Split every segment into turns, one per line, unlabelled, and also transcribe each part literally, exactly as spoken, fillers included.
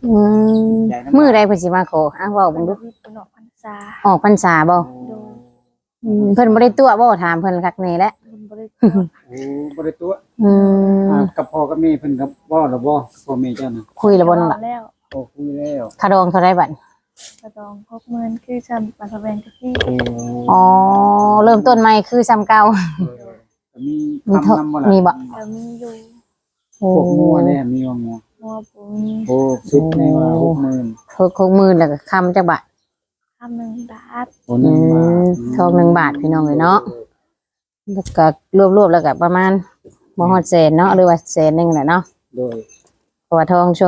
อืมมื้อใดเพิ่นสิมาขออ้าวเว้าเบิ่งดู
เพิ่นออกพรรษา
ออกพรรษาบ่
โดย
อืมเพิ่นบ่ได้ตัวบ่ถามเพิ่นคักแน่แหละ
เพิ่นบ่ได้ตัว
โอ้บ่ได้ตัว
อืม
อ่ากับพ่อกับแม่เพิ่นก็บ่ล่ะบ่พ่อแม่เจ้าน่ะ
คุยแล้วบ่นั่นล่ะ
แล้ว
โอ้คุยแล้ว
ค่าดองเท่าไรบัด
กระดองหกหมื่นคือจำปันทะแวงตะกี้
โอ้
อ๋อเริ่มต้นใหม่คือซ้ำเก่า
ก็มี
มี
คำนำบ่ล่ะ
มีบ่
ก็มีอยู่
โอ้
พวกงัวเนี่ยมีว่างัว
งัวปูมี
โอ้สุดในว่าหกหมื่น
หกหกหมื่นแล้วก็คำจักบาท
คำหนึ่งบาท
โอ้หนึ่งบาท
ทองหนึ่งบาทพี่น้องเลยเนาะแล้วก็รวบๆแล้วก็ประมาณบ่ฮอดแสนเนาะหรือว่าแสนหนึงแหละเนาะ
โดย
เพราะว่าทองช่วง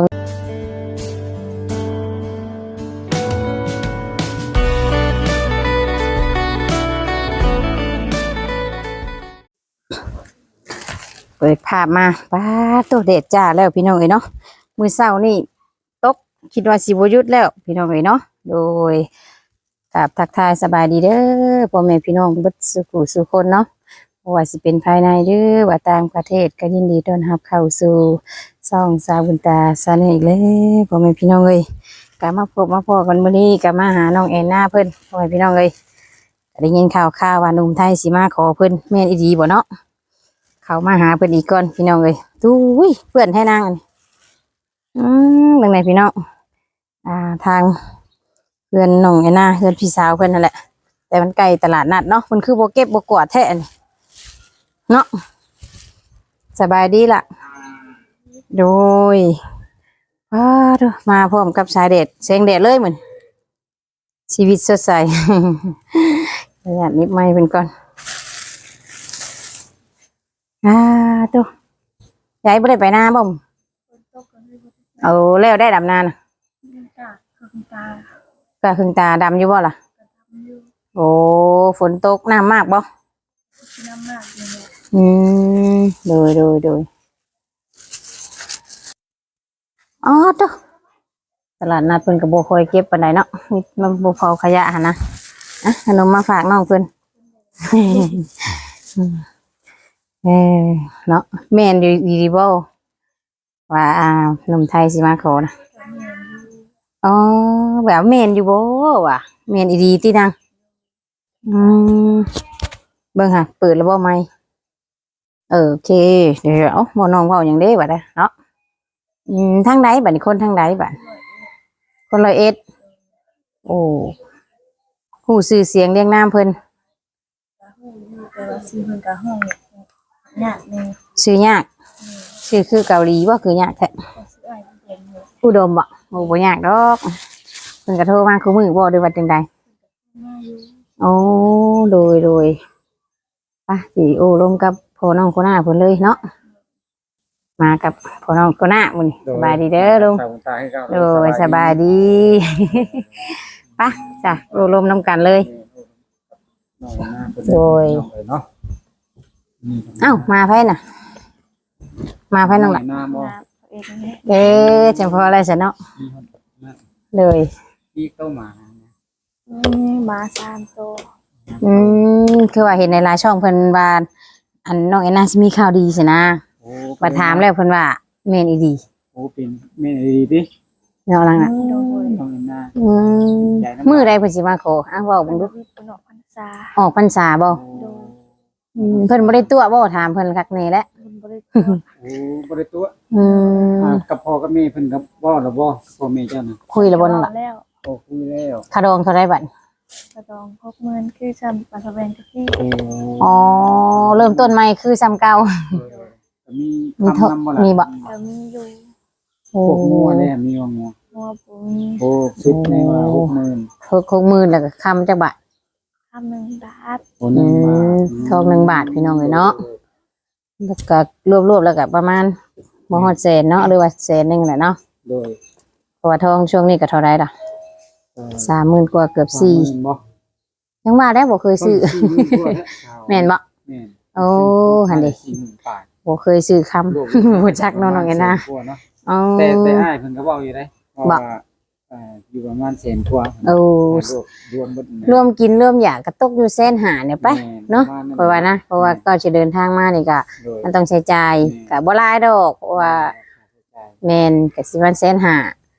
เปิดภาพมาป้าตัวเด็ดจ้าแล้วพี่น้องเอ้ยเนาะมื้อเช้านี่ตกคิดว่าสิบ่หยุดแล้วพี่น้องเอ้ยเนาะโดยกับทักทายสบายดีเด้อพ่อแม่พี่น้องเบิดสุขุสุคนเนาะบ่ว่าสิเป็นภายในหรือว่าต่างประเทศก็ยินดีต้อนรับเข้าสู่ช่องสาวบุญตาซาแนลอีกแล้วพ่อแม่พี่น้องเอ้ยก็มาพบมาพ้อกันมื้อนี้ก็มาหาน้องแอนนาเพิ่นพ่อแม่พี่น้องเอ้ยก็ได้ยินข่าวข่าวว่าหนุ่มไทยสิมาขอเพิ่นแม่นอีหลีบ่เนาะเขามาหาเพิ่นอีกก่อนพี่น้องเอ้ยตู้ยเพื่อนให้นางอันนี้อืมเบิ่งไหนพี่น้องอ่าทางเพื่อนน้องแอนนาเพื่อนพี่สาวเพิ่นนั่นแหละแต่มันใกล้ตลาดนัดเนาะมันคือบ่เก็บบ่กวาดแท้นี่เนาะสบายดีล่ะโดยว้าดมาพร้อมกับสายแดดแสงแดดเลยเหมือนชีวิตสดใส ประหยัดนิดไม้เป็นก่อนอ่าตัวยายบ่ได้ไปนาบ่ม
ฝนตกก็เลยบ่ได้
เอาแล้วได้ดำนานะ
เงินกะเครื่องตา
ก็ครึ่งตาดำอยู่บ่ล่ะ
กระทำอยู่
โอ้ฝนตกน้ำมากบ่
น้ำมากเลยเนี่ย
อืมโดยโดยโดยอ๋อตัวตลาดนัดเพิ่นก็บ่ค่อยเก็บปานใดเนาะมีมันบ่เผาขยะหั่นนะอ่ะขนมมาฝากน้องเพิ่น เออเนาะแม่นอยู่ดีบ่ว่าอ่าหนุ่มไทยสิมาขอนะ
ก็เมียนอยู่
อ๋อแบบแม่นอยู่บ่ว่ะแม่นอีดีตินางอืมเบิ่งค่ะเปิดแล้วบ่ไมค์เออโอเคเดี๋ยวบ่น้องเว้าหยังเด้บัดน่ะเนาะอืมทางใดบัดนี้คนทางใดบัดคนร้อยเอ็ดโอ้ฮู้ชื่อเสียงเรียงนามเพิ่น
กะฮู้อยู่แต่ว่าซื้อเพิ่นกะห้องยากแน่
ชื่อยากชื่อคือเกาหลีบ่คือยากแท้
ก็ซื้ออ้ายเพิ่นอยู่
อุดมบ่โอ้บ่ยากดอกเพิ่นก็โทรมาคือมื้อบ่ได้ว่าจังใด
มาอยู่
โอ้โดยโดยไปสิโอ้ลมกับพ่อน้องโคน่าเพิ่นเลยเนาะมากับพ่อน้องโคน่ามื้อนี้สบายดีเด้อลุง
สาวตาให้เขา
โดยสบายดี ไปจ้ะโอ้ลมน้ำกันเลย
น้องหน้าเพิ่น
โดย
น้องเอ้ยเนาะ
เอ้ามาไผน่ะ มาไผน้องล่ะ
หน้าบ่
น้ำเองนี่
เอ๊ะจังพออะไรซะเนาะ
มีคนหน้า
เลย
ที่เข้ามา
นี่หมาสามตัว
อืมคือว่าเห็นในไลน์ช่องเพิ่นว่าอันน้องแอนนาสิมีข่าวดีสินะ
โอ้
มาถามแล้วเพิ่นว่าแม่นอีดี
โอ้เป็นแม่ดีดิ
เนาะลังน่ะ
โดย
น้องหน้า
อืมมื้อใดเพิ่นสิมาขออ้าวเว้า
เพิ่
เบิ่งดู
นเพิ่นออกพรรษา
ออกพรรษาบ่
โดย
อืมเพิ่นบ่ได้ตัวบ่ถามเพิ่นคักแน่แหละ
เพิ่นบ่ได้ตัว
โอ้บ่ได้ตัว
อืม
อ่ากับพ่อกับแม่เพิ่นก็บ่ล่ะบ่พ่อแม่เจ้าน่ะ
คุยแล้วบ่นั่นล่ะ
แล้ว
โอ้คุยแล้ว
ค่าดองเท่าไรบัด
กระดองหกหมื่นคือจำปันทะแวงตะกี้
โอ้
อ๋อเริ่มต้นใหม่คือซ้ำเก่า
ก็มี
มี
คำ
เท่าน
ำบ่ล่ะ
มีบ่
ก็มีอยู่
โอ้
พวกงัวเนี่ยมีว่างัว
งัวปูมี
โอ้สุดในว่าหกหมื่น
หกหกหมื่นแล้วก็คำจักบาท
คำหนึ่งบาท
โอ้หนึ่งบาท
อืมทองหนึ่งบาทพี่น้องเอ้ยเนาะ แล้วก็รวบๆแล้วก็ประมาณบ่ฮอดแสนเนาะหรือว่าแสนหนึงแหละเนาะ
โดย
เพราะว่าทองช่วงนี้ก็เท่าไรล่ะ
เอ่อ
สามหมื่นกว่าเกือบสี่
สามหมื่นบ่
ยังว่าได้บ่เคยซื้อ
ต้นสี่หมื่นกว่าแล้ว
แม่นบ่
แม่น
โอ้หั่นดิ
สี่หมื่นบาท
บ่เคยซื้อคำ
รวม
บ่จักเนาะน้องเอ็นนะ
แสกว่าเนาะ
อ๋อ
แต่แต่อ้ายเพิ่นก็เว้าอยู่ได้
บ่
ว่าว่าเอ่ออยู่ประมาณแสนกว่า
โอ้
รวมรวมเบิดนะ
รวมกินรวมอยากก็ตกอยู่แสนห้าเนี่ยไป
แม่
เนาะ
ประมณ
เพราะว่านะเพราะว่าก็จะเดินทางมานี่ก็
โดย
มันต้องใช้จ่ายก็บ่หลายดอกเพราะว่าแม่นก็สิวันแสนห้า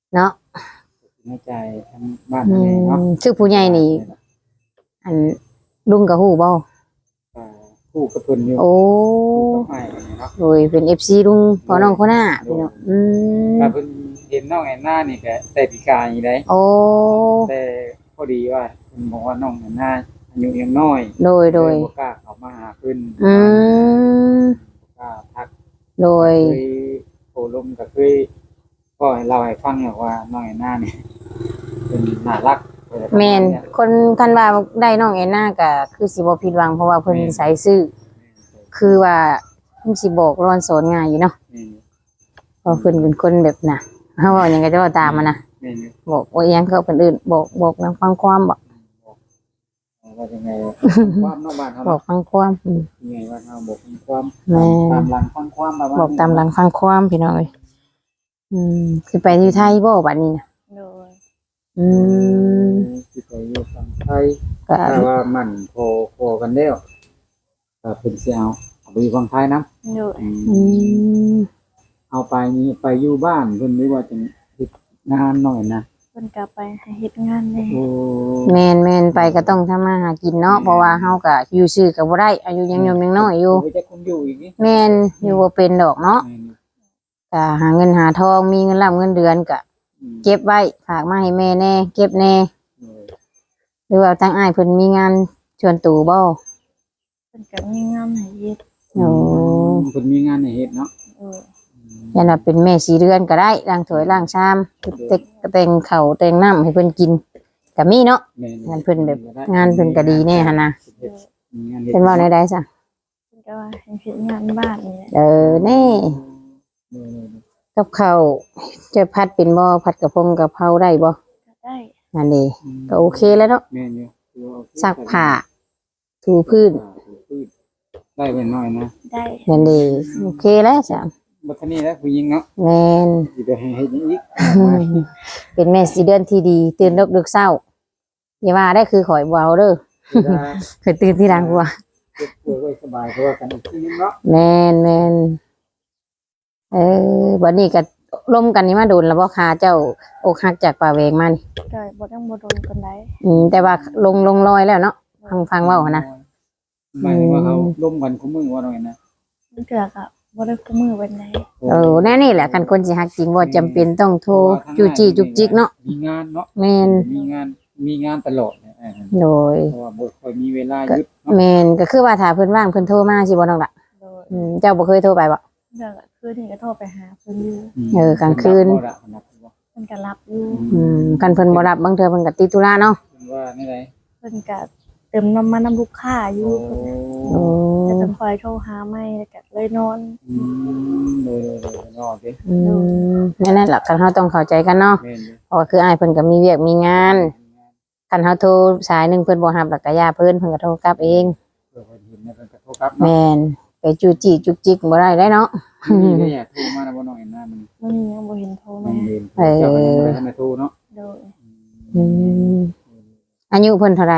เนาะ
ในใจทั้งบ้าน
อื
ทั้งแม่เนาะ
มชื่อผู้ใหญ่นี่อันลุงกับฮู้บ่
อ่าคู่กับเพิ่นอยู่
โอ้
คู่กับอ้ายเนาะ
โดยเป็น เอฟ ซี ลุงพ่อน้องคนหน้าพี่น้องอืม
ถ้าเพิ่นเห็นน้องแอนนานี่ก็แต่ปีกายได้
โอ้
แต่พอดีว่าเพิ่นบอกว่าน้องแอนนาอายุยังน้อย
โดยโดย
บ่กล้าเข้ามาหาเพิ่น
อืม
บ่กล้าทัก
โดย
เคยโทรลมก็เคยก็ให้เราให้ฟังว่าน้องแอนนานี่เป็นน่ารัก
แม่นคนคันว่าได้น้องแอนนาก็คือสิบ่ผิดหวังเพราะว่าเพิ่นนิสัยซื่อคือว่าเพิ่นสิบอกรอนสอนง่ายอยู่เนาะ
นี่
เพราะเพิ่นเป็นคนแบบน่ะเฮาเว้าหยังก็จะเว้าตามมันนะ
นี่นี่
บอกว่าอีหยังเขาเพิ่นอื่นบอกบอกนางฟังความบ่
ว่ายังไงความนอกบ้านเขา
บอกฟังความอืม
ยังไงว่าเขาบอกความ
แม่
ตามหลังฟังความแบบว่า
บอกตามหลังฟังความพี่น้องเอ้ยอืมสิไปอยู่ไทยบ่บัดนี้น่ะ
โดย
อืม
สิไปอยู่ฝั่งไทย
ก็
ถ้าว่ามันพอพอกันแล้วก็เป็นสิเอาเอาไปอยู่ฝั่งไทยนะ
โดย
อืม
เอาไปนี่ไปอยู่บ้านเพิ่นหรือว่าจะเฮ็ดงานหน่อยนะ
เพิ่นก็ไปให้เฮ็ดงานแน่
โอ้
แม่นแม่นไปก็ต้องทำมาหากินเนาะเพราะว่าเฮาก็อยู่ซื่อก็บ่ได้อายุยังหนุ่มยังน้อยอยู่
ไปจะคงอยู่อีกนี่
แม่นอยู่บ่เป็นดอกเนาะ
แม่น
ก็หาเงินหาทองมีเงินรับเงินเดือนก็
อืม
เก็บไว้ฝากมาให้แม่แน่เก็บแน่
เออ
หรือว่าทางอ้ายเพิ่นมีงานชวนตู่บ่
เพิ่นก็มีงานให้เฮ็ด
โอ้
เพิ่นมีงานให้เฮ็ดเนาะ
เออ
ยันว่าเป็นแม่สีเรือนก็ได้ล้างถ้วยล้างชามเต็กแต่งข้าวแต่งน้ำให้เพิ่นกินก็มีเนาะ
แม่
งานเพิ่นแบบงานเพิ่นก็ดีแน่หั่นน่ะ
มีงานเฮ็ด
เป็นเว้าได้ซะ
เพิ่นก็ว่าให้เฮ็ดงานบ้านนี่แหละ
เออแน่
เออ
กับข้าวจะพัดเป็นบ่พัดกระพงกะเพราได้บ่
ก็ได้
นั่นเด้ก็โอเคแล้วเนาะ
แม่นอยู่คือว่าโอเค
ซักผ้าถูพื้น
ถูพื้นได้เป็นน้อยนะ
ได้
นั่นเด้โอเคแล้วจ้ะ
บัดนี้แล้วผู้หญิงเนาะ
แม่น
สิไปให้เฮ็ดหยังอีก
เป็นแม่สีเดือนที่ดีตื่นดึกๆเช้าอย่าว่าได้คือข่อยบ่เอาเด้อ
เวลา
เคยตื่นที่ดังกว่า
เจ็บป่วยไว้สบายเพราะว่ากันอีกทีนึงเนาะ
แม่นแม่นเออวันนี้ก็ร่มกันนี่มาโดนแล้วบ่ค่ะเจ้าอกหักจากป่าเวงมานี่
ก็บ่ต้องบ่โดนปานใด
อืมแต่ว่าลงลงรอยแล้วเนาะฟังฟังเว้าหั่นนะ
หมายถึงว่าเขาร่วมกันคุมือว่าหน่อยนะ
มันเถื่อก็บ่ได้คู่มือปานใด
เออแน่นี่แหละคันคนสิฮักจริงบ่จำเป็นต้องโทรจูจี้จุกจิกเนาะ
มีงานเนาะ
แม่น
มีงานมีงานตลอดเนี่ยเออ
โดย
เพราะว่าบ่ค่อยมีเวลาหยุดเนาะ
แม่นก็คือว่าถ้าเพิ่นว่างเพิ่นโทรมาสิบ่น้องล่ะ
โดย
อืมเจ้าบ่เคยโทรไปบ่
เรื่องก็คือนี่ก็โทรไปหาเพิ่นอยู่
เออกลางคืน
บ่ละบ่ละบ่
เพิ่นก็รับอยู่
อืมคันเพิ่นบ่รับบางเทื่อเพิ่นก็ติดธุระเนาะ
เพิ่นว่านี่ได
เพิ่นก็เติมน้ำมันน้ำลูกค้าอยู่
โอ้
โอ้
แต่เพิ่นคอยโทรหาไม่แล้วก็เลยนอน
อืมโดยๆๆนอกดิ
อืมนั่นแหละคันเฮาต้องเข้าใจกันเนาะ
แม่นอยู่
เพราะว่าคืออ้ายเพิ่นก็มีเวียกมีงานคันเฮาโทรสายหนึงเพิ่นบ่รับแล้วก็ย่าเพิ่นเพิ่นก็โทรกลับเอง
เพื่อเพิ่นเห็นเนี่ยเพิ่นก็โทรกลับ
แม่นไปจูจี้จุกจิกบ่ได้ได้เนาะ
นี่ได้อยากโทรมาแล้วบ่น้อยนะมัน
มื้อนี้ยังบ่เห็นโทร
มั
มาน
เรียนเจ้าก็ยังบ่ได้ทันได้โทรเนาะ
โดย
อืมอายุเพิ่นเท่าไหร่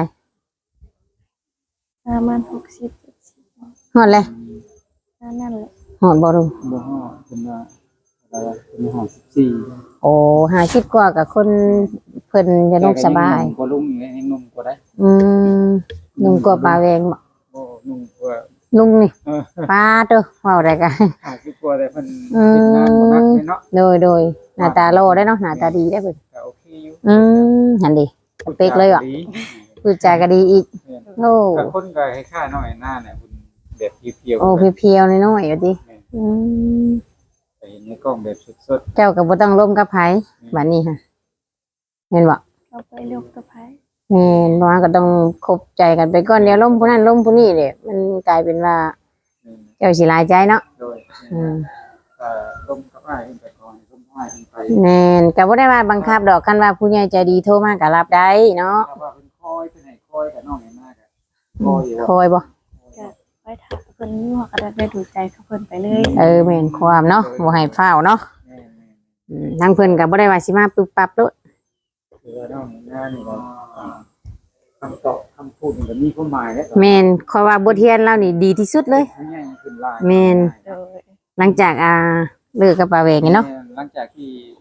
ประมาณหกสิบ
ฮอดเลย
นั่นนั่นแหละ
ฮอดบ่รู้
บ่ฮอดเพิ่นว่าอะไรวะเพิ่นฮอดสิบสี่
โอ้ห้าสิบกว่ากับคนเพิ่นจะนุ่มสบาย
กว่าลุงอยู่เลยยังหนุ่มกว่าได้
อืมนุ่มกว่าปลาแวงบ่
โอ้หนุ่มกว่า
ลุงนี่
เออ
ป้าเด้อเว้าได้กัน
ห้าสิบกว่าแต่เพิ่นเฮ็ดงานบ่นักเลยเนาะ
โดยโดยหน้าตาโลได้เนาะหน้าตาดีได้เพิ่น
ก็โอเคอยู่
อืมหันดิ สเปคเลยว่ะ พูดจาก็ดีอีกโอ้
ก็คนก็คล้ายๆน้อยหน้าเนี่ยคุณแบบเพียวๆ
โอ้เพียวๆน้อยๆอยู่ติอืม
แต่เห็นในกล้องแบบสด
เจ้าก็บ่ต้องร่วมกับไผบัดนี้ฮะเห็นบ่
เราไปเลือกกับไผ
แม่นบ่ว่าก็ต้องคบใจกันไปก่อนเดี๋ยวล้มผู้นั้นล้มผู้นี้เด้มันกลายเป็นว่า
ๆ
เจ้าสิหลายใจเนาะ
โดย
อืม
เอ่อลมกับอ้ายขึ้นไปก่อนลมอ้ายขึ้นไป
แม่นก็บ่ได้ว่าบังคับดอกกันว่าผู้ใหญ่ใจดีโทรมาก็รับได้เนาะ
ถ้าว่าเป็นคอยเป็นให้คอยกับน้องเห็นหน้ากันคอยอยู่
คอยบ่
ไปถามเพิ่นอยู่ว่าก็ได้ดูใจกับเพิ่นไปเลย
เออแม่นความเนาะบ่ให้ฟ้าวเนาะ
แม่น
อืมทางเพิ่นก็บ่ได้ว่าสิมาปึ๊บปั๊บโลด
ๆคือว่าน้องเห็นหน้านี่ก็อ่าคำตอบคำพูดมันก็มีความหมายแล้ว
แม่นขอยว่าบทเรียนเรานี่ดีที่สุดเลย
ผู้ใหญ่ขึ้นหลาย
แม่น
โดย
หลังจากอ่าเลิกกับป้าแหวงนี่เนาะ
หลังจากที่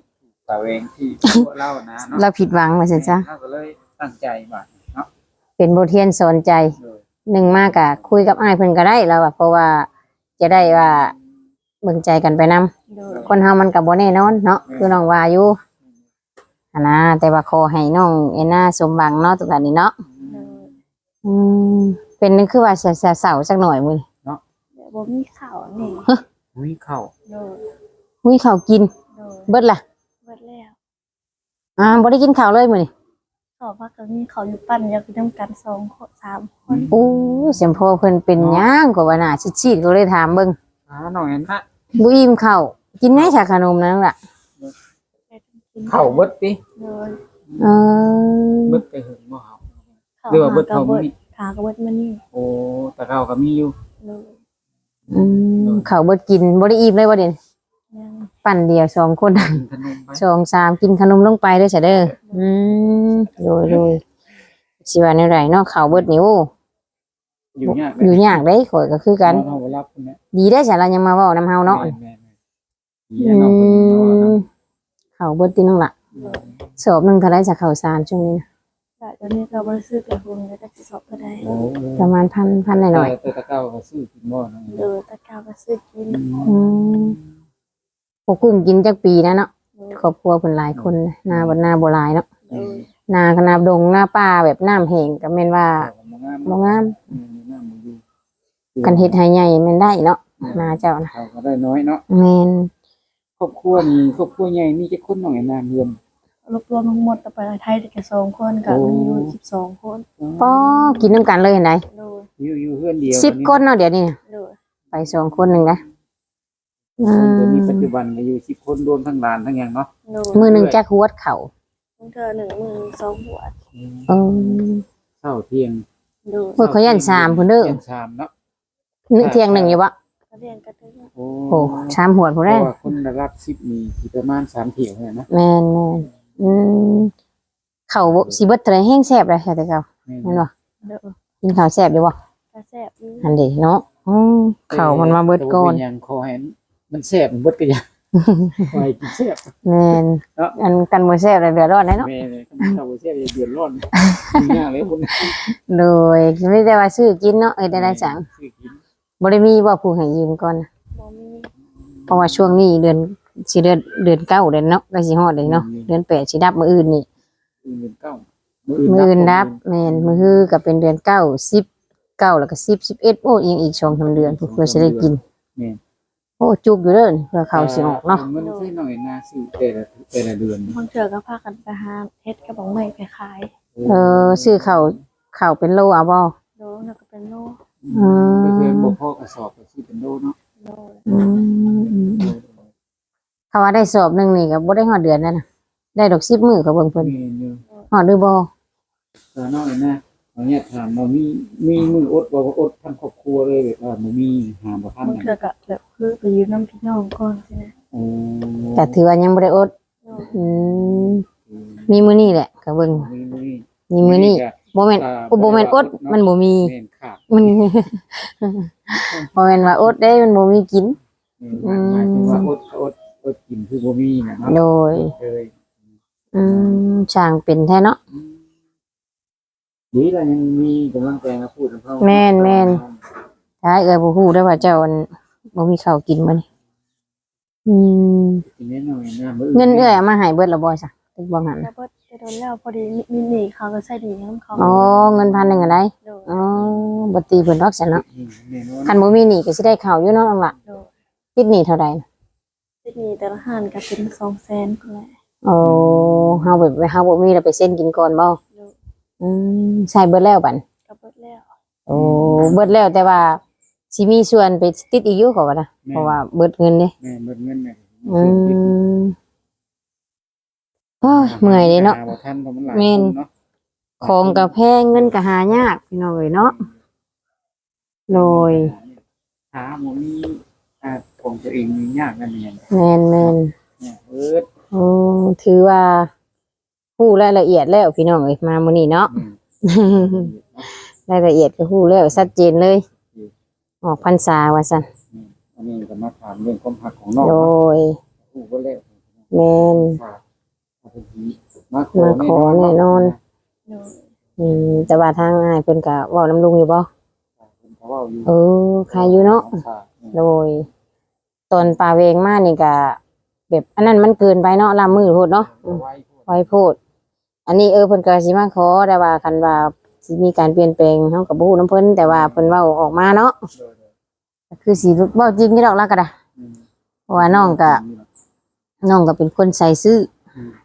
ตาเองที่พวกเรานะเนาะ
เราผิดหวังว่าซั่นซะ
เราก็เลยตั้งใจว่าเนาะ
เป็นบทเรียนสอนใจ
โดย
หนึ่งมากกะคุยกับอ้ายเพิ่นก็ได้แล้วอะเพราะว่าจะได้ว่าเบิ่งใจกันไปนํ
โดย
คนเฮามันก็บ่แน่นอนเนาะคือน้องว่าอยู่อันนะแต่ว่าขอให้น้องเอน่าสมหวังเนาะตรงนี้เนาะ
โดย
อืมเป็นนึกคือว่าเสียเสาสักหน่อยมื้อ
เดี๋ยวบ่มีข้าวนี่
อุ้ยเข้า
โดย
อุ้ยข้าวกิน
โดย
เบิดล่ะ
เบิดแล้ว
อ่าบ่ได้กินข้าวเลยมื้อนี้
ขอพักก็มีเขาอยู่ปั้นอยากไปนำกันสองคนสามคน
โอ้ยเสียงพ่อเพิ่นเป็นหยังก็ว่าน่าชิดๆก็เลยถามเบิ่ง
อ่าน้องเห็นนะ
บ่อิ่มข้าวกินไหมชาขนมนั่นล่ะ
เข้าเบิดติ
โดย
เออ
เบิดไปหึงบ่เฮา
เขา
หรือว่าเบิด
หา
เขา
ก็เบิด
มี
หาก็เบิดมานี่
โอ้แต่เราก็มีอยู่
โดย
อืมข้าวเบิดกินบ่ได้อิ่มเลยว่าเด่น
ยัง
ปั่นเดียวสองคน
กินขนมไป
สองสามกินขนมลงไปเด้อจ้ะเด้ออืมโดยโดยสิว่าแนวใดเนาะข้าวเบิดนี่โอ้
อยู่ยาก
อยู่ยากเด้ข่อยก็คือกัน
เฮาบ่รับคนเนี้ย
ดีได้จ้ะเรายังมาเว้านำเฮาเนาะ
แม่ๆๆดี
อื
เนาะเพิ่นเนาะ
มข้าวเบิดติน้องล่ะสอบหนึงเท่าไหร่จ้ะข้าวสารช่วงนี้นะ
แต่ตอนนี้เราบ่ได้ซื้อเป็นพวงแล้วก็สิสอบก็ได้
โอ้
ประมาณพันพันหน่อย
แต่ตะเก้าก็ซื้อกินบ่น้อง
โดยตะกร้าก็ซื้อกิน
ๆอืมพวกกุ้งกินจักปีนะเนาะครอบครัวเพิ่นหลายคนนะนาบ่นาบ่หลายเนาะ
โดย
นาขนาดดงหน้าป่าแบบน้ำแห้งก็แม่นว่า
บ่งาม
บ่งาม
อืมน้ำบ่อยู่
กันเฮ็ดให้ใหญ่แม่นได้เนาะนาเจ้านะ
เขาก็ได้น้อยเนาะ
แม่น
ครอบครัวนี่ครอบครัวใหญ่มีจักคนน้องไอ้นางเฮือน
รวบรวมทั้งหมดไปไทยได้แค่สองคนก็มีอยู่สิบสองคน
ป้อกินน้ำกันเลยเห็นไหม
โดย
อยู่อยู่เฮือนเดียว
สิบคนเนาะเดี๋ยวนี้
โดย
ไปสองคนหนึ่งนะอื
ตอนนี้ปัจ
ม
จุบันก็อยู่สิบคนรวมทั้งหลานทั้งหยังเนาะ
โดย
มือหนึ่งแจ็คหัวดเข่า
เธอหนึ่งมือสองหัว
เออ
เช้าเที่ยง
โดย
โอ้ยเขายันสามพุ่นเด้อ
ยันสามเนาะ
นึกเที่ยงหนึ่งอยู่วะ
ก็เรียนกันถึง
โอ้
โอ้สามหัวดพุ่น
เพ
แร
ราะ
ก
ว่าคนระดับสิบนี่สิประมาณสามเที่ยวเท่านั้นนะ
แมนแมนอืมเข่าบ่สีเบิดเทะเลแห้งแซ่บเลยใช่แต่เข่า
แม่น
แม่นบ่
โดย
กินข้าวแซ่บอยู่บ่
กระแซ่บนี่
อันเดีเนาะอืมเข่ามันมาเบิดก่อน
แต่ว่าเป็นหยังคอแหนมันแซ่บมันเบิดก็ยังคอยกินแซ่บ
แมน
เนาะ
อันกันบ่แซ่บเลยเดือดร้อนเลยเนาะ
แม่เลยถ้าบ่แซ่บจะเดือดร้อนยากเลยคุณ
โดยไม่ได้ว่าซื้อกินเนาะเอ้ยได้ได้จัง
ซื้อกิน
บ่ได้มีบ่ผู้ให้ยืมก่อนนะ
บ่มี
เพราะว่าช่วงนี้เดือนสิเดือนเดือนเก้าเดือนเนาะก็สิฮอดเลยเนาะเดือนแปดสิดับมื้ออื่นนี่
เงินเก้า
มื้ออื่นดับแม่นมื้อฮือก็เป็นเดือนเก้า สิบเก้าแล้วก็สิบ สิบเอ็ดโอ้ยังอีกสองสามเดือนเพื่อสิได้กิน
แม่น
โอ้จุกอยู่เด้อเพื่อเขาสิออกเนาะ
มันใช่หน่อยนาซื้อแต่ละแต่ละเดือน
บางเถื่อก็พากันไปหาเฮ็ดกระบอกไม้ไปขาย
เออซื้อข้าวข้าวเป็นโลเอาบ่
โดยแล้วก็เป็นโล
อืม
ก็คือบ่พอกระสอบก็ซื้อเป็นโลเนาะ
โดย
อืมอืมอืมเขาว่าได้สอบหนึงนี่ก็บ่ได้ฮอดเดือนนั่นน่ะได้ดอกสิบมื้อก็เบิ่งเพิ่น
แม่นอยู่
ฮอดหรือบ่
ตอนน้อยนะเอาเนี่ยถามว่ามีมีมืออดบ่ว่าอดทั้งครอบครัวเลยแบบว่าบ่มีหาบ่ทัน
บางเถื่อก็แบบคือไปยืมน้ำพี่น้องก่อนใช่ไหม
โอ้
แต่ถือว่ายังบ่ได้อด
โดย
อืมมีมื้อนี้แหละก็เบิ่ง
มีมือ
มีมื้อนี้บ่แม่นโอ้บ่แม่นอดมันบ่มี
แม่นขาด
มัน บ่แม่นว่าอดได้มันบ่มีกิน
หมายถึงว่าอดอดอดกินคือบ่มีน่ะเนาะ
โดย
เลย
อืมช่างเป็นแท้เนาะ
ดีแล้วยังมีกำลังใจมาพูดกับเขา
แม่นแม่น ถ้าเอ้ยบ่ฮู้ได้อว่าเจ้าอันบ่มีข้าวกินมื้อนี้อืม
กินแน่นอนนะมื้
เงินเอ้ยเอามาให้เบิดแล้วบ่ซะตึกบ่หัน
แล้วก็จะโดนแล้วพอดีมีหนีเขาก็ใส่ดีน้ำเขา
อ๋อเงินพันหนึงอะได้
โดย
อ๋อบ่ตีเพิ่นดอกซะเนาะ
แน่นอน
คันบ่มีหนี้ก็สิได้ข้าวอยู่เนาะน้องล่ะ
โดย
ติดหนี้เท่าใดน่ะ
ที่นี่แต่ละหันก็เป็นสองแสนคนแหละ
โอ้เฮาแบบเฮาบ่มีแล้วไปเซ็นกินก่อนบ่
โดย
อืมใช้เบิดแล้วบัด
ก็เบิดแล้ว
โอ้เบิดแล้วแต่ว่าสิมีส่วนไปติดอีกอยู่ก็ว่านะเพราะว่าเบิดเงินเด้
แม่เบิดเงินแม่
อืมโอ้ยเมื่อยเด้เนาะ
บ่ทันเพราะมันหลาย
แม่น
คนเนาะ
ของก็แพงเงินก็หายากพี่น้องเอ้ยเนาะโดย
หาบ่มีอ่าของตัวเองมียากนั่นเอง
แม่นแม่น
เนี่ยเอิด
โอ้ถือว่าฮู้รายละเอียดแล้วพี่น้องเอ้ยมามื้อนี้เนาะ รายละเอียดก็ฮู้แล้วชัดเจนเลย ออกพรรษาว่าซั่น
อันนี้ก็มาถามเรื่องความหักของน้อง
โด
เนาะ
ย
ผู้บ่แล้ว
แม่น
ฝากพิ่นสิมาขอ
มาขอแน่นอน
โดย
อืมแต่ว่าทางอ้ายเพิ่นก็เว้านำลุงอยู่บ่
เพิ่นก็เว้าอยู่
เออใครอยู่เนาะ
ของฝากนี่
โดยตอนปลาเวงมานี่ก็แบบอันนั้นมันเกินไปเนาะลามมือโพดเนาะอืม
ไว้พูด
ไว้โพดอันนี้เออเพิ่นก็สิมาขอแต่ว่าคันว่าสิมีการเปลี่ยนแปลงเฮาก็บ่ฮู้นำเพิ่นแต่ว่าเพิ่นเว้าออกมาเนาะ
โดย
ก็คือสิเว้าจริงอยู่ดอกแล้วก็ได้
ๆอืม
เพราะว่าน้องก็น้องก็เป็นคนใส่ซื่อ
อืม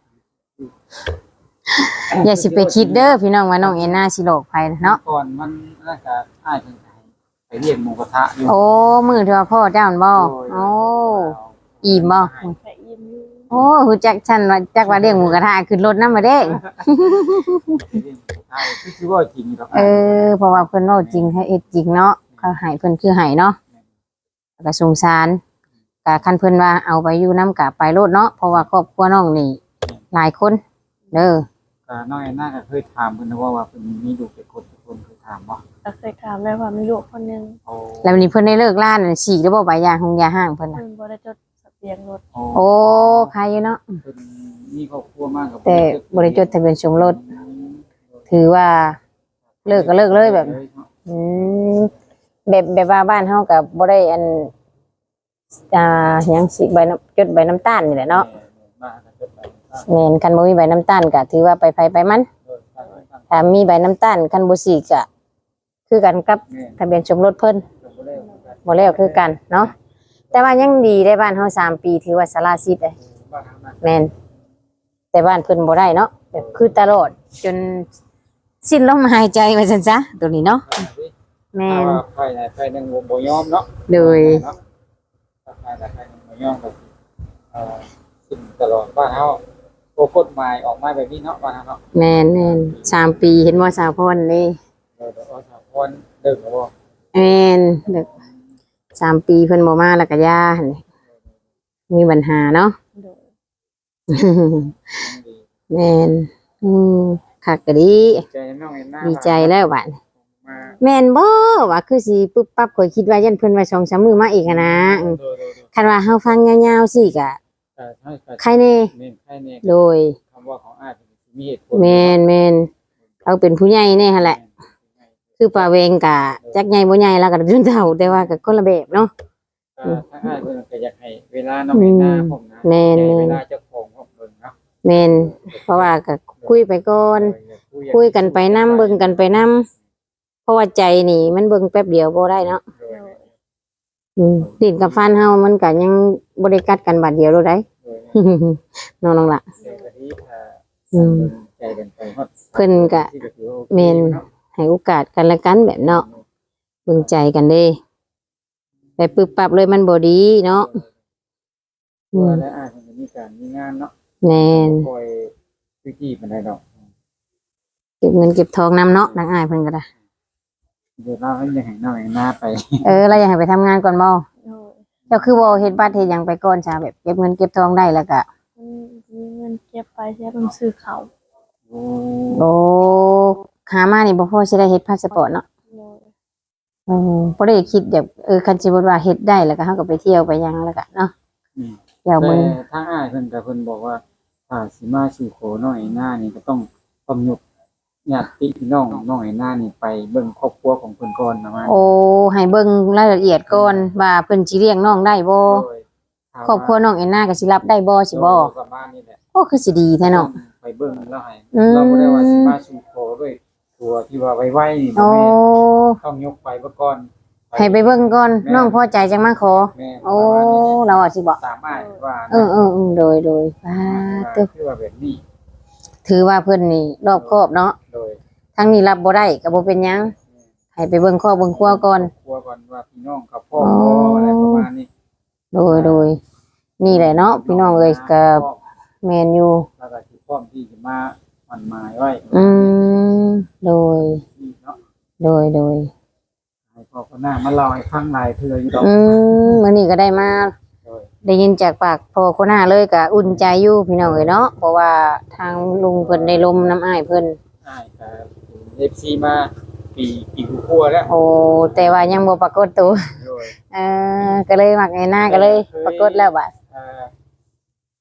อย่าสิไปคิดเด้อพี่น้องว่าน้องเอ็นนาสิหลอกไผเนาะ
ก่อนมันน่าจะอ้ายเพิ่นให้ไปเรียนหมูกระทะอยู่
โอ้มื้อที่ว่าพ่อเจ้านั่นบ่โอ้อิ่มบ่
ไปยิ้มอยู่
โอ้ฮู้จักฉันว่าจักว่าเลี้ยงหมูกระทะขึ้นรถนำมาเด้
ไปเรียนหมูกระทะคือสิว่าจริงดอก
เออเพราะว่าเพิ่นเว้าจริงให้เอ็ดจริงเนาะเขาให้เพิ่นคือให้เนาะแล้วก็สงสารก็คันเพิ่นว่าเอาไปอยู่นำกะไปโลดเนาะเพราะว่าครอบครัวน้องนี่หลายคนเด้อ
ก็น้อยน่าก็เคยถามเพิ่นนะว่าว่าเพิ่นมีลูกเป็นคนเป็นคนเคยถามบ่
ก็เคยถามแม่ว่ามีลูกคนหนึง
โอ้
แล้ววันนี้เพิ่นได้เลิกล่านั่นฉีกได้บ่ใบยาหงยาห้างเพิ่นน่ะ
เพิ่นบ่ได้จดทะเบียนรถ
โอ้ใครอยู่เนาะ
เพิ่นมีครอบครัวมากกับ
แต่บ่ได้จดทะเบียนสมรสถือว่าเลิกก็เลิกเลยแบบอืมแบบแบบว่าบ้านเฮาก็บ่ได้อันอ่าหยังสิใบน้ำจดใบน้ำตาลนี่แหละเนาะ
บ้านก็จดไป
แม่นคันบ่มีใบน้ำตาลก็ถือว่าไปไผไปมัน ถ้ามีใบน้ำตาลคันบ่สิก็คือกันกับทะเบียนสมรสเพิ่นบ่แล้วคือกันเนาะแต่ว่ายังดีได้บ้านเฮาสามปีถือว่าสละสิทธิ์เลยแม่นแต่บ้านเพิ่นบ่ได้เนาะแบบคือตลอดจนสิ้นลมหายใจว่าซั่นซะตัวนี้เนาะแม่น
ไฟไหนไฟหนึ่งบ่ยอมเนาะ
โดย
ไฟไหนไฟหนึ่งบ่ยอมก็เอ่อสิ่งตลอดบ้านเฮาโอ้กฎหมายออกมาแบบนี้เนาะบ้านเฮาเนาะ
แม่นแม่นสามปีเห็นว่าสาวพรนี่
เออแต่ว่าสาวคนเดิมบ่
แม่นเด็กสามปีเพิ่นบ่มาแล้วก็ย่าหั่นนี่มีปัญหาเนาะ
โดย
ดี
แม่นอืมคักก็ดี
ใจน้องเอ็นหน้า
ดีใจแล้วบัดนี้
มา
แม่นบ่ว่าคือสิปึ๊บปั๊บข่อยคิดว่ายันเพิ่นว่าสองสามมื้อมาอีกหั้นนะอืม
โดยโดย
คันว่าเฮาฟังยาวๆสิก็
แต่ให้
ใครแน่
เน้นใครเน้น
โดย
คำว่าของอ้ายมีเหตุผล
แม่นแม่นเราเป็นผู้ใหญ่แน่หั่นแหละ คือป้าเวงก็จักใหญ่บ่ใหญ่แล้วก็จนเฒ่าแต่ว่าก็คนละแบบเนาะ
ถ้าอ้ายเพิ่นก็อยากให้เวลาน้องเอ็นหน้าผมนะ
แม่น
ให้
แม่
เวน ลาเจ้าของผมเพิ่นเนาะ
แม่นเพราะว่าก็คุยไปก่อน คุยกันไปนํเบิ่งกันไปนํเพราะว่าใจนี่มันเบิ่งแป๊บเดียวบ่ได้เนาะ
โดย
โดย
อืมลิ้นกับฟันเฮามันก็ยังบ่ได้กัดกันบาดเดียวโลดได้
โดย
น้องๆล่ะ
เดี๋ยววันนี้ถ้า
อืม
ใจกันไปฮอด
เพิ่นก็
ที่ก็ถือว่าโอค
แม่น
เนาะ
ให้โอกาสกันและกันแบบเนาะเบิ่งใจกันเด้ไปปึ๊บปั๊บเลยมันบ่ดีเนาะ อืม
ว่าแล้วอ้ายเพิ่นก็มีการมีงานเนาะ
แม่น
คอยวิธีปานใดดอก
เก็บเงินเก็บทองนำเนาะนางอ้ายเพิ่นก็ได้
เดี๋ยวเราให้ยังให้น้องเอ็นหน้าไป
เออเราอยากให้ไปทำงานก่อนบ่
โดย
เจ้าคือบ่เฮ็ดบัตรเฮ็ดหยังไปก่อนจ้าแบบเก็บเงินเก็บทองได้แล้วก็
มันมีเงินเก็บไปใช้เพิ่นซื้อเขาว
โอ้
โอ้หามานี่บ่พอสิได้เฮ็ดพาสปอร์ตเนาะ
โดย
อือบ่ได้คิดแบบเออคันสิบ่ว่าเฮ็ดได้แล้วก็เฮาก็ไปเที่ยวไปหยังแล้วก็เนาะ
อืม
เที่ยว
แต่
เบิ่ง
ทางอ้ายเพิ่นก็เพิ่นบอกว่าถ้าสิมาสู่ขอน้องเอ็นหน้านี่ก็ต้องกำหนดญาติพี่น้องน้องเอ็นหน้านี่ไปเบิ่งครอบครัวของเพิ่นก่อนนะว่า
โอ้ให้เบิ่งรายละเอียดก่อนว่าเพิ่นสิเลี้ยงน้องได้บ่
โดย
ครอบครัวน้องแอนนาก็สิรับได้บ่สิบ่
ประมาณนี้แหละ
โอ้คือสิดีแท้เนาะ
ไปเบิ่งแล้วให้
อืม
เราบ่ได้ว่าสิมาสู่ขอด้วยตัวที่ว่าไวๆนี่บ่
โอ้
แม่นต้องยกไปเบ่ก่อน
ให้ไปเบิ่งก่อนน้องพอใจจังมาขอ
แม่น
โอ้
ประมาณนี้แหละ
เราอ่ะสิบ่
ตามอ้ายว่า
เออเออเออโดยโดยอ่าตึก
คือว่าแบบนี้
ถือว่าเพิ่นนี่รอบคอบเนาะ
โดย
ทั้งนี้รับบ่ได้ก็บ่เป็นหยังให้ไปเบิ่งครอบเบิ่งครัวก่อน
ครัวก่อนว่าพี่น้องกับพ่อพ่ออะไรประมาณนี้
โดยโดยนี่แหละเนาะพี่น้องเอ้ยก็แม่นอยู่
แล้วก็สิพร้อมที่จะมามันหมายไว้
อืมโดย
นี่เนาะ
โดยโดย
ให้พ่อคนหน้ามาเล่าให้ฟังหลายเทื่ออยู่ดอก
อืมมื้อนี้ก็ได้มา
โดย
ได้ยินจากปากพ่อคนหน้าเลยก็อุ่นใจอยู่พี่น้องเอ้ยเนาะเพราะว่าทางลุงเพิ่นได้ลมน้ำอ้ายเพิ่น
อ้ายก็ เอฟ ซี มาปีปีกว่าๆแล้ว
โอ้แต่ว่ายังบ่ปรากฏตัว
โดย
เออก็เลยมักไอ้หน้าก็เลย ปรากฏแล้วบัด
เอ่อ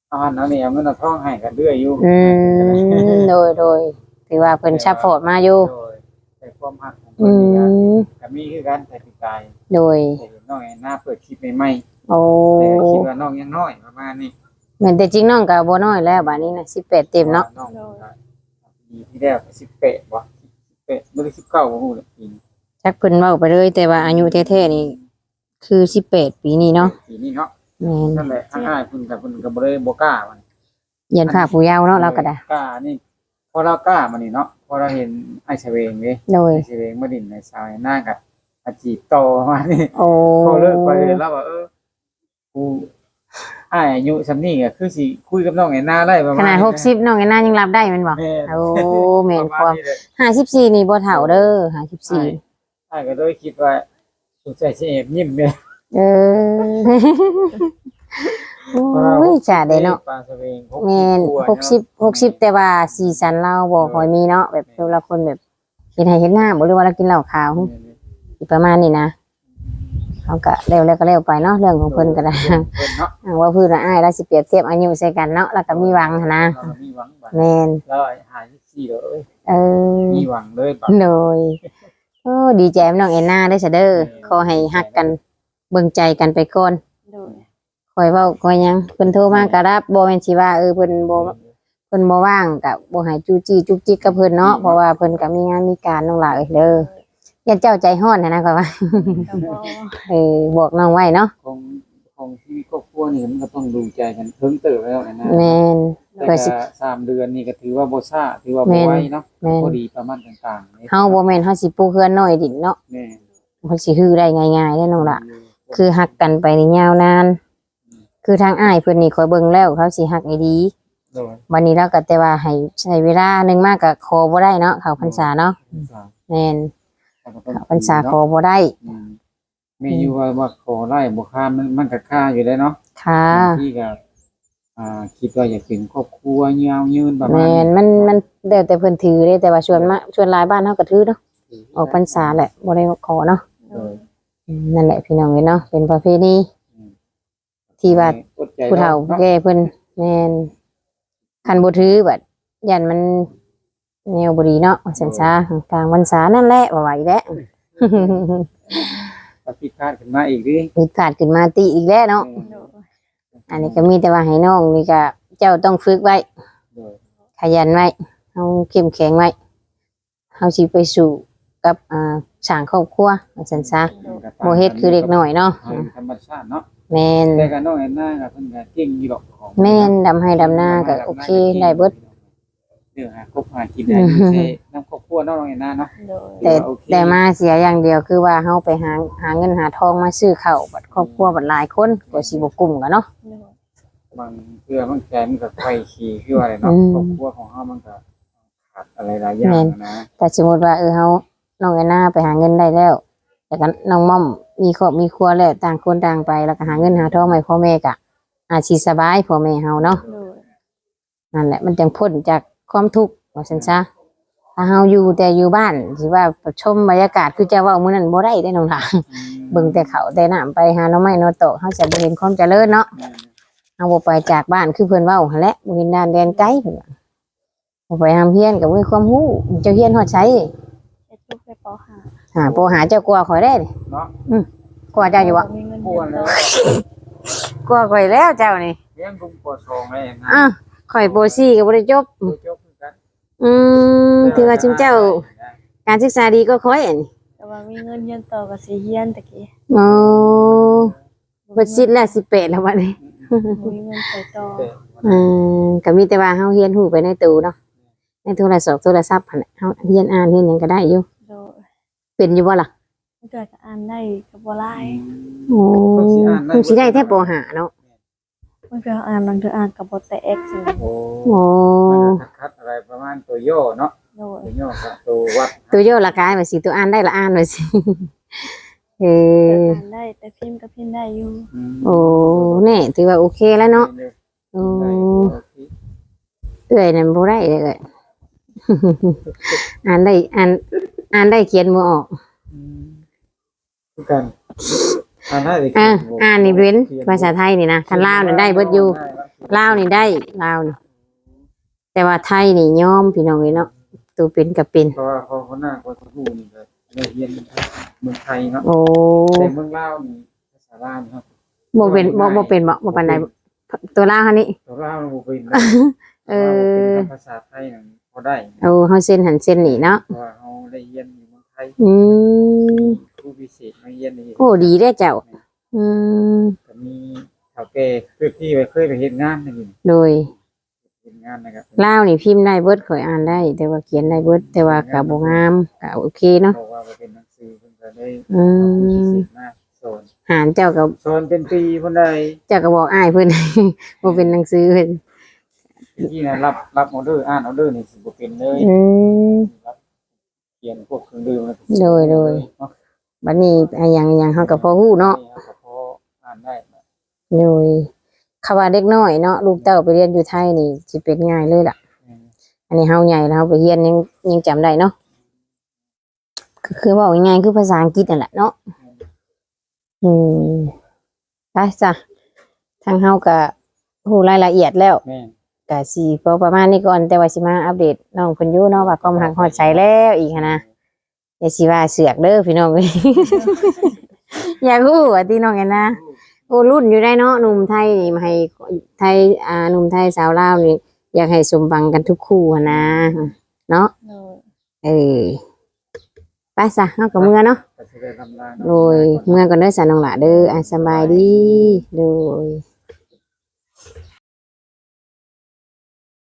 เอาหันเอานี่เอาเงินเอาทองให้กันเรื่อยอยู่
อืมโดยโดยถือว่าเพิ่นซัพพอร์ตมาอยู่
โดยแต่ความหักของ
อื
เพิ่นนี่
ม
ก็ก็มีคือกันแต่ปีกาย
โดย
แต่เห็นน้องแอนนาเปิดคลิปใหม่
โอ้
ๆแต่คิดว่าน้องยังน้อยประมาณนี้
แม่นแต่จริงน้องก็บ่น้อยแล้วบัดนี้น่ะสิบแปดเต็มเนาะ
น้องก็ปีที่แล้วก็สิบแปดบ่สิบแปดบ่ได้สิบเก้าบ่ฮู้เลยปีนี้
จักเพิ่นเว้าไปเลยแต่ว่าอายุแท้ๆนี่คือสิบแปดปีนี้เนาะ
ปีนี้เนาะ
แม่น
นั่นแหละอ้ายๆเพิ่นก็เพิ่นก็บ่ได้บ่กล้ามัน
ยันภาคผู้ยาวเนาะเราก็ได้
กล้านี่พอเรากล้ามานี่เนาะพอเราเห็นไอ้เฉวงเด้
โดย
ไอ้เฉวงมาดินในสายหน้ากับอาจีบต่อมานี่
โอ้
พอเลิกไปเลยแล้วว่าเออกูอ้ายอายุซำนี้ก็คือสิคุยกับน้องแอนนาได้ประมาณ
ขนาดหกสิบน้องไอ้นายังรับได้แม่นบ่
แม่น
โอ้แม่น
ประ
ควา
าม ณนี้เลย
ห้าสิบสี่นี่บ่เฒ่าเด้อห้าสิบสี่
อ้ายก็เลยคิดว่าสงสัยสิแอบยิ้มเด้
เออโอ้ยจ้าเด้เนาะ
ปลาเฉวง
แม่น
กว่า
หกสิบหกสิบแต่ว่าสีสันเราบ่ค่อยมีเนาะแบบแต่ละคนแบบเห็นให้เห็นหน้าบ่หรือว่าเรากินเหล้าขาวสิประมาณนี้นะเขาก็เร็วแล้วก็เร็วไปเนาะเรื่องของเพิ่นก็ได้
เพิ่นเนาะ
อ่าว่าเพิ่นว่าอ้ายเราสิเปรียบเทียบอายุใส่กันเนาะแล้วก็มีหวังหั้นนะ
เราก็มีหวังบัด
แม่น
แล้วหายี่สี่เลย
เออ
มีหวังเลยบัด
โดยโอ้ดีใจกับน้องเอ็นนาเด้อซะเด้อขอให้ฮักกันเบิ่งใจกันไปก่อน
โดย
คอยเว้าคอยหยังเพิ่นโทรมาก็รับบ่แม่นสิว่าเออเพิ่นบ่เพิ่นบ่ว่างก็บ่ให้จู้จี้จุกจิกกับเพิ่นเนาะเพราะว่าเพิ่นก็มีงานมีการน้องหลาเอ้ยเด้ออย่าเจ้าใจร้อนนะนะข่อยว่า
ก็บ่
เออบอกน้องไว้เนาะ
ของของชีวิตครอบครัวนี่มันก็ต้องดูใจกันเพิ่งเติบแล้วนะ
แม่น
แต่
เพื่อสิ
ก็สามเดือนนี่ก็ถือว่าบ่ซ่าถือว่า
แม่
บ่
น
ไวเนาะ
แม่น
พอดีประมาณต่างๆ
เฮาบ่แม่นเฮาสิปลูกเฮือนน้อยดินเนาะ
แม่
เพิ่นสิฮือได้ง่ายๆเด้อน้องล่ะคือฮักกันไปนี่ยาวนาน คือทางอ้ายเพิ่นนี่คอยเบิ่งแล้วเขาสิฮักให้ดี
โดย
วันนี้เราก็แต่ว่าให้ใช้เวลาหนึงมากก็ขอบ่ได้เนาะเข้าพรรษาเนาะแม่นเข้าพรรษาขอบ่ได้
อืมมีอยู่ว่าว่าขอไล่บ่ค่ามันมันก็ค่าอยู่ได้เนาะ
ค่ะ
บางที่ก็อ่าคิดว่าอยากเป็นครอบครัวยาวยืนประมาณ
แม่นมันมันแล้วแต่เพิ่นถือเด้แต่ว่าส่วนมากส่วนหลายบ้านเฮาก็ถือเนาะออกพรรษาแหละบ่ได้ขอเนาะ
โดย
อืมนั่นแหละพี่น้องเอ้ยเนาะเป็นประเพณีที่ว่า
อดใจ
ผู้เฒ่า
นาะ
แก่เพิ่นแม่นคันบ่ถือบัดยันมันแนวบ่ดีเนาะว่าซั่นซะกลางพรรษานั่นแหละว่าไหวแล้ว
ก็ผิดพลาดขึ้นมาอีกดิ
ผิดพลาดขึ้นมาติอีกแล้วเนาะ
โดย
อันนี้ก็มีแต่ว่าให้น้องนี่ก็เจ้าต้องฝึกไว้
โดย
ขยันไว้เฮาเข้มแข็งไว้เฮาสิไปสู่กับอ่าสร้างครอบครัวว่าซั่นซะบ่เฮ็ดคือเด็กน้อยเนาะ
ธรรมชาติเนาะ
แม่น
แต่ก็น้องแอนนาก็เพิ่นก็เก่งอยู่ดอกของ
แม่นดำให้ดำนาก็โอเคได้เบิด
เดี๋ยวหาคบหากินได้อยู่ใช่น้ำครอบครัวน้องแอนนาเนาะ
โดย
แต่แต่มาเสียอย่างเดียวคือว่าเฮาไปหาหาเงินหาทองมาซื้อข้าวบัดครอบครัวบัดหลายคนก็สิบ่กุ้มกันเนาะ
โดย
บางเทื่อมันแกมันก็ไฟขี่คือว่าอะไรเนาะ
อืม
ครอบครัวของเฮามันก็ขาดอะไรหลายอย่างนะ
แต่สมมุติว่าเออเฮาน้องแอนนาไปหาเงินได้แล้วแต่ก็น้องม่อมมีครอบมีครัวแล้วต่างคนต่างไปแล้วก็หาเงินหาทองให้พ่อแม่ก็อาจสิสบายพ่อแม่เฮาเนาะ
โดย
นั่นแหละมันจังพ้นจากความทุกข์ว่าซั่นซะถ้าเฮาอยู่แต่อยู่บ้านสิว่าชมบรรยากาศคือจะเว้ามื้อนั้นบ่ได้ได้น้องหล่ะเบิ่งแต่เขาแต่น้ำไปหาหน่อไม้หน่อโตะเฮาจะบ่เห็นความเจริญเนาะเฮาบ่ไปจากบ้านคือเพิ่นเว้าหั่นแหละบ่เห็นด้านแดนไกลเพิ่นว่าบ่ไปหามเฮียนก็บ่มีความรู้เจ้าเฮียนฮอดไส
เฮ็ดลูกไปปห้า
หาโปหาเจ้ากลัวข่อยได้นี่
เนาะ
กลัวเจ้าอยู่บ่
มีเงิน
กลั
เดื
ว
อน
แล้
ต่
ว
อก
ลัวข่อยแล้วเจ้านี่
เลี้ยงกุมปอสองเลยนะ
อ้าวข่อยโปสี่ก็บ่ได้จบ
ตัวจบคือกัน
อืมถือว่าชุมเจ้าการศึกษาดีก็ค่อยอันนี้
แต่ว่ามีเงินเดือนต่อก็สิเฮียนตะกี้
โอ้เบิดสิทธิ์แล้วสิบแปดแล้วบัดนี้
มีเงินไปต่อ
อืมก็มีแต่ว่าเฮาเรียนรู้ไปในตู้เนาะในโทรศัพท์โทรศัพท์หั่นแหละเฮาเรียนอ่านเรียนหยังก็ได้อยู่
โดย
เป็นอยู่บ่ล่ะ
เมื่อก็อ่านได้ก็บ่หลาย
โอ้คงสิได้แท้ปห้าเนาะ
เมื่อก็อ่านบางเทื่ออ่านก็บ่แตกสิ
โอ้
โอ้
คัดอะไรประมาณตัวย่อเนาะ
โดย
ตัวย่อกับตัววัด
ตัวโยละกายว่าสิตัวอ่านได้ละอ่านว่าสิ เออ
อ่านได้แต่พิมพ์ก็พิมพ์ได้อยู่
โอ้แน่ถือว่าโอเคแล้วเนาะโอ้เอ้อยนั่นบ่ได้เลยเอ้ย อ่านได้อ่านอ่านได้เขียนบ่ออก
คือกันอ่านได้เลย
อ่าอ่านนี่เว้นภาษาไทยนี่นะคันลาวนี่ได้เบิดอยู่ลาวนี่ได้ลาวนี่แต่ว่าไทยนี่ยอมพี่น้องเอ้ยเนาะตัวเป็นก็เป็น
เพราะว่าเขาเขาหน้าคนผู้นี่ก็ได้เรียนเมืองไทยเนาะ
โอ้
แต่เมืองลาวนี่ภาษาลาวนี่ครับ
บ่เป็นบ่บ่เป็นบ่บ่ปานใดตัวลาวคันนี้
ตัวลาวมันบ่เป็นนะ
เอ
เพราะว่าบ่เป็น
อ
ภาษาไทยนั่นพอได้
เอาเฮาเส้นหันเส้นนี่เนาะ
เพราะว่าเฮาได้เรียนอยู่เมืองไทย
อืม
ครูพิเศษมาเรียนนี่
โอ้ดีเด้อเจ้าอืม
ก็มีเฒ่าแก่คือที่ไปเคยไปเฮ็ดงานนั่นนี่
โดย
เฮ็ดงานนะครับ
ลาวนี่พิมพ์ได้เบิดข่อยอ่านได้ แต่ว่าเขียนได้เบิดแต่ว่าก็บ่งามก็โอเคเนาะ
บอกว่าบ่เป็นหนังสือเพิ่นก็ได้
อื
เอาครูพิ
ม
เศษมาสอน
หารเจ้าก็
สอนเป็นปีเพิ่นได้
เจ้าก็บอกอ้ายเพิ่น บ่เป็นหนังสือเพิ่น
ที่น่ะรับรับออเดอร์อ่านออเดอร์นี่สิบ่เป็นเลย
อืม
รับเขียนพวกเครื่องดื่มแล้วก็
โดยโดย
เนาะ
บัดนี้อะหยังหยังเฮาก็พอฮู้เนาะ
ก็พออ่านได้นะ
โดยคำว่าเด็กน้อยเนาะลูกเต้าไปเรียนอยู่ไทยนี่สิเป็นง่ายเลยล่ะ
อืม
อันนี้เฮาใหญ่แล้วเฮาไปเรียนยังยังจำได้เนาะก็คือเว่าง่ายๆคือภาษาอังกฤษนั่นแหละเนาะอืมไปจ้ะทางเฮาก็ฮู้รายละเอียดแล้ว
แม่น
ก็สิพอประมาณนี้ก่อนแต่ว่าสิมาอัปเดตน้องเพิ่นอยู่เนาะว่าความหักฮอดใจแล้วอีกหั้นนะอย่าสิว่าเสือกเด้อพี่น้องเอ้ย อยากฮู้ว่าที่น้องแอนนะโอ้รุ่นอยู่ได้เนาะหนุ่มไทยนี่มาให้ไทยอ่าหนุ่มไทยสาวลาวนี่อยากให้สมบังกันทุกคู่หั้นนะเนาะ
โดย
เออไปซะเฮากับเมื่อเนาะ
ก็สิได้ลำลา
โดยเมื่อก่อนเด้อสาน้องหล่ะเด้ออ่ะสำบายดีโดย